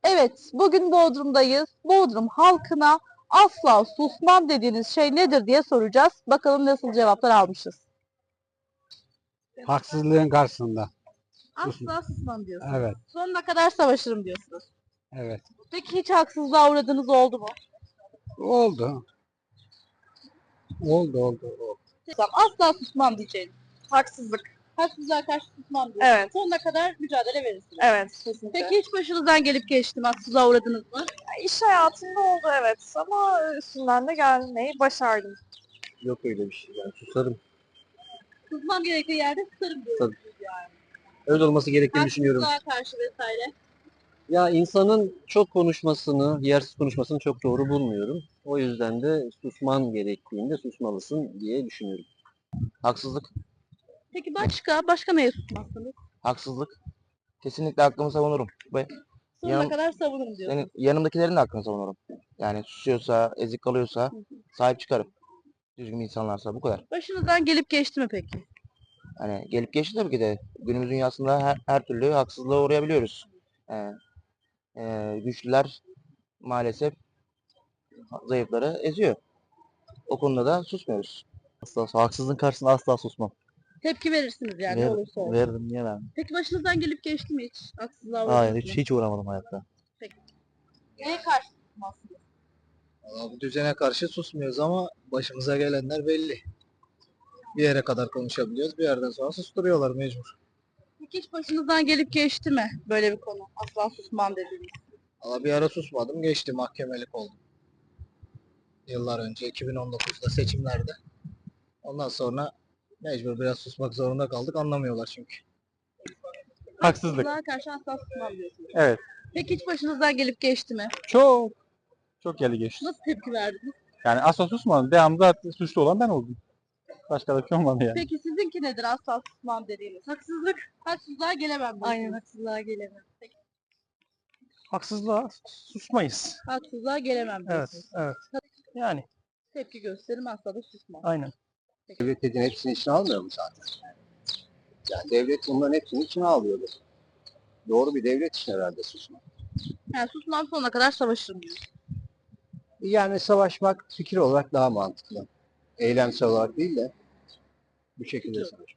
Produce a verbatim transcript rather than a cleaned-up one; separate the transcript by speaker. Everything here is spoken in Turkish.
Speaker 1: Evet, bugün Bodrum'dayız. Bodrum halkına asla susmam dediğiniz şey nedir diye soracağız. Bakalım nasıl cevaplar almışız.
Speaker 2: Haksızlığın karşısında.
Speaker 1: Asla susmam diyorsunuz.
Speaker 2: Evet,
Speaker 1: Sonuna kadar savaşırım diyorsunuz.
Speaker 2: evet.
Speaker 1: Peki hiç haksızlığa uğradığınız oldu mu?
Speaker 2: Oldu. Oldu, oldu, oldu.
Speaker 1: Tamam, asla susmam diyeceğim.
Speaker 3: Haksızlık.
Speaker 1: Haksızlığa karşı susmam diyorsunuz.
Speaker 3: Evet.
Speaker 1: Sonuna kadar mücadele verirsiniz.
Speaker 3: Evet, kesinlikle.
Speaker 1: Peki hiç başınızdan gelip geçti mi? Haksızlığa uğradınız mı?
Speaker 3: İş hayatında oldu evet ama üstünden de gelmeyi başardım.
Speaker 4: Yok öyle bir şey. Yani susarım.
Speaker 1: Susmam gerektiği yerde susarım diyorsunuz yani.
Speaker 4: Öyle olması gerektiğini düşünüyorum.
Speaker 1: Haksızlığa karşı vesaire.
Speaker 4: Ya insanın çok konuşmasını, yersiz konuşmasını çok doğru bulmuyorum. O yüzden de susman gerektiğinde susmalısın diye düşünüyorum. Haksızlık,
Speaker 1: Peki başka? Başka neye susmazsınız?
Speaker 5: Haksızlık. Kesinlikle hakkımı savunurum. Ve
Speaker 1: Sonuna
Speaker 5: Yanım-
Speaker 1: kadar savunurum diyorsunuz.
Speaker 5: yani yanımdakilerin de hakkını savunurum. Yani susuyorsa, ezik kalıyorsa sahip çıkarım. Düzgün insanlarsa bu kadar.
Speaker 1: Başınızdan gelip geçti mi peki?
Speaker 5: Hani gelip geçti tabii ki de günümüz dünyasında her, her türlü haksızlığa uğrayabiliyoruz. Ee, e, güçlüler maalesef zayıfları eziyor. O konuda da susmuyoruz.
Speaker 4: Asla, haksızlığın karşısında asla susmam.
Speaker 1: Tepki verirsiniz yani ne olursa olsun.
Speaker 4: Veririm, niye vermem?
Speaker 1: Peki başınızdan gelip geçti mi hiç? Haksızlığa
Speaker 4: Hayır,
Speaker 1: uğradınız
Speaker 4: hiç,
Speaker 1: mı?
Speaker 4: hiç uğramadım hayatta.
Speaker 1: Neye karşı susmazsınız?
Speaker 6: Valla bu düzene karşı susmuyoruz ama başımıza gelenler belli. Bir yere kadar konuşabiliyoruz, bir yerden sonra susturuyorlar mecbur.
Speaker 1: Peki hiç başınızdan gelip geçti mi böyle bir konu? Asla susmam dediğiniz.
Speaker 6: Valla bir ara susmadım, geçti, mahkemelik oldum. Yıllar önce, iki bin on dokuzda seçimlerde. Ondan sonra mecbur biraz susmak zorunda kaldık, anlamıyorlar çünkü.
Speaker 2: Haksızlık.
Speaker 1: Haksızlığa karşı asla susmam diyorsunuz.
Speaker 2: Evet.
Speaker 1: Peki hiç başınızdan gelip geçti mi?
Speaker 2: Çok. Çok geldi geçti.
Speaker 1: Nasıl tepki verdiniz?
Speaker 2: Yani asla susmadım. Devamlı zaten suçlu olan ben oldum. Başka da bir şey olmadı yani.
Speaker 1: Peki sizinki nedir asla susmam dediğiniz? Haksızlık. Haksızlığa gelemem diyorsunuz.
Speaker 3: Aynen haksızlığa gelemem.
Speaker 2: Haksızlığa susmayız.
Speaker 1: Haksızlığa gelemem
Speaker 2: Evet,
Speaker 1: diyorsunuz.
Speaker 2: evet. Yani
Speaker 1: Tepki gösteririm asla da susmam.
Speaker 2: aynen.
Speaker 7: Devlet dediğin hepsini içine almıyor mu zaten? Yani devlet bunların hepsini içine alıyordu. Doğru bir devlet için herhalde susmak.
Speaker 1: Yani susmam sonuna kadar savaşırım diyor.
Speaker 7: Yani savaşmak fikir olarak daha mantıklı. Eylemsel olarak değil de bu şekilde savaşmak.